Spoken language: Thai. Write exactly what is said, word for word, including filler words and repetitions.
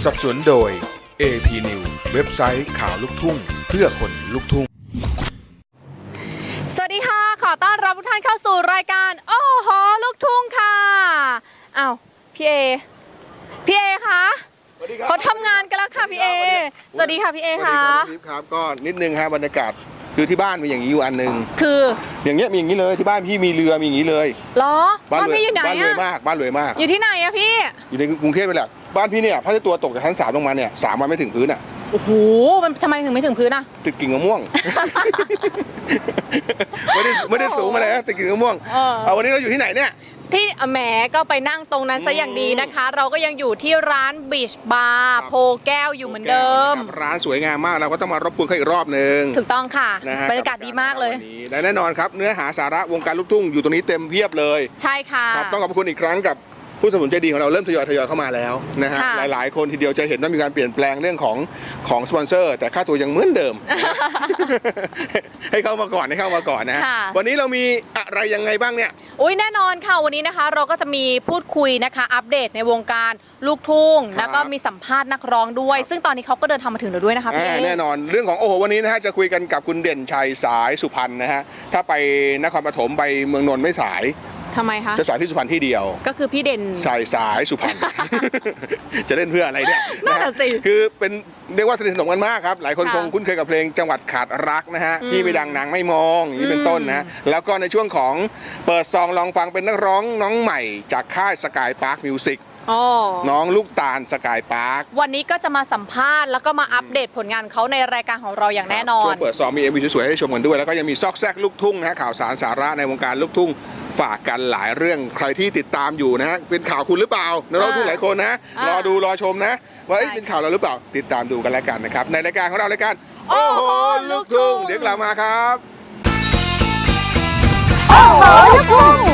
สนับสนุนโดย เอ พี News เว็บไซต์ข่าวลูกทุ่งเพื่อคนลุกทุ่งสวัสดีค่ะขอต้อนรับทุกท่านเข้าสู่รายการโอ้โหลูกทุ่งค่ะอ้าวพี่เอพี่เอคะเขาทำงานกันแล้วค่ะพี่เอสวัสดีค่ะพี่เอค่ะครับก็นิดนึงฮะบรรยากาศคือที่บ้านมีอย่างนี้อยู่อันนึงคืออย่างเงี้ยมีอย่างนี้เลยที่บ้านพี่มีเรือมีอย่างนี้เลยเหรอบ้านพี่อยู่ไหนอะบ้านรวยมากบ้านรวยมากอยู่ที่ไหนอะพี่อยู่ในกรุงเทพนี่แหละบ้านพี่เนี่ยพัดตัวตกจากชั้นสามลงมาเนี่ยสามวันไม่ถึงพื้นอ่ะโอ้โหมันทำไมถึงไม่ถึงพื้นอะติดกิ่งมะม่วงไม่ได้ไม่ได้สูงมาเลยติดกิ่งมะม่วงเอาวันนี้เราอยู่ที่ไหนเนี่ยที่แหมก็ไปนั่งตรงนั้นซะอย่างดีนะคะเราก็ยังอยู่ที่ร้านบีชบาร์โพแก้วอยู่เหมือนเดิมร้านสวยงามมากเราก็ต้องมารบกวนเขาอีกรอบนึงถูกต้องค่ะบรรยากาศดีมากเลยและแน่นอนครับเนื้อหาสาระวงการลูกทุ่งอยู่ตรงนี้เต็มเพียบเลยใช่ค่ะต้องขอบคุณอีกครั้งกับผู้สนับสนุนใจดีของเราเริ่มทยอยทยอยเข้ามาแล้วนะฮะหลายๆคนทีเดียวจะเห็นว่ามีการเปลี่ยนแปลงเรื่องของของสปอนเซอร์แต่ค่าตัวยังเหมือนเดิม ให้เข้ามาก่อนให้เข้ามาก่อนนะวันนี้เรามีอะไรยังไงบ้างเนี่ยอุ้ยแน่นอนค่ะวันนี้นะคะเราก็จะมีพูดคุยนะคะอัปเดตในวงการลูกทุ่งแล้วก็มีสัมภาษณ์นักร้องด้วยซึ่งตอนนี้เขาก็เดินทางมาถึงแล้วด้วยนะคะพี่แน่นอนเรื่องของโอ้โหวันนี้นะฮะจะคุยกันกับคุณเด่นชัยสายสุพรรณนะฮะถ้าไปนครปฐมไปเมืองนนท์ไม่สายทำไมคะจะสายที่สุพรรณที่เดียวก็คือพี่เด่นสายสายสุพรรณ จะเล่นเพื่ออะไรเนี่ยน่าสิคือเป็นเรียกว่าสนิทสนมกันมากครับหลายคนคงคุ้นเคยกับเพลงจังหวัดขาดรักนะฮะพี่ไปดังนางไม่มองอย่างนี้เป็นต้นนะแล้วก็ในช่วงของเปิดซองลองฟังเป็นนักร้องน้องใหม่จากค่ายสกายพาร์คมิวสิกน้องลูกตาลสกายพาร์ควันนี้ก็จะมาสัมภาษณ์แล้วก็มาอัปเดตผลงานเขาในรายการของเราอย่างแน่นอนช่วงเปิดซองมีเอ็มวีสวยๆให้ชมกันด้วยแล้วก็ยังมีซอกแซกลูกทุ่งนะฮะข่าวสารสาระในวงการลูกทุ่งฝากกันหลายเรื่องใครที่ติดตามอยู่นะฮะเป็นข่าวคุณหรือเปล่านักร้องทุกหลายคนนะรอดูรอชมนะว่าเป็นข่าวเราหรือเปล่าติดตามดูกันแล้วกันนะครับในรายการของเรารายการโอ้โหลูกทุ่งเดี๋ยวกลับมาครับโอ้โหลูกทุ่ง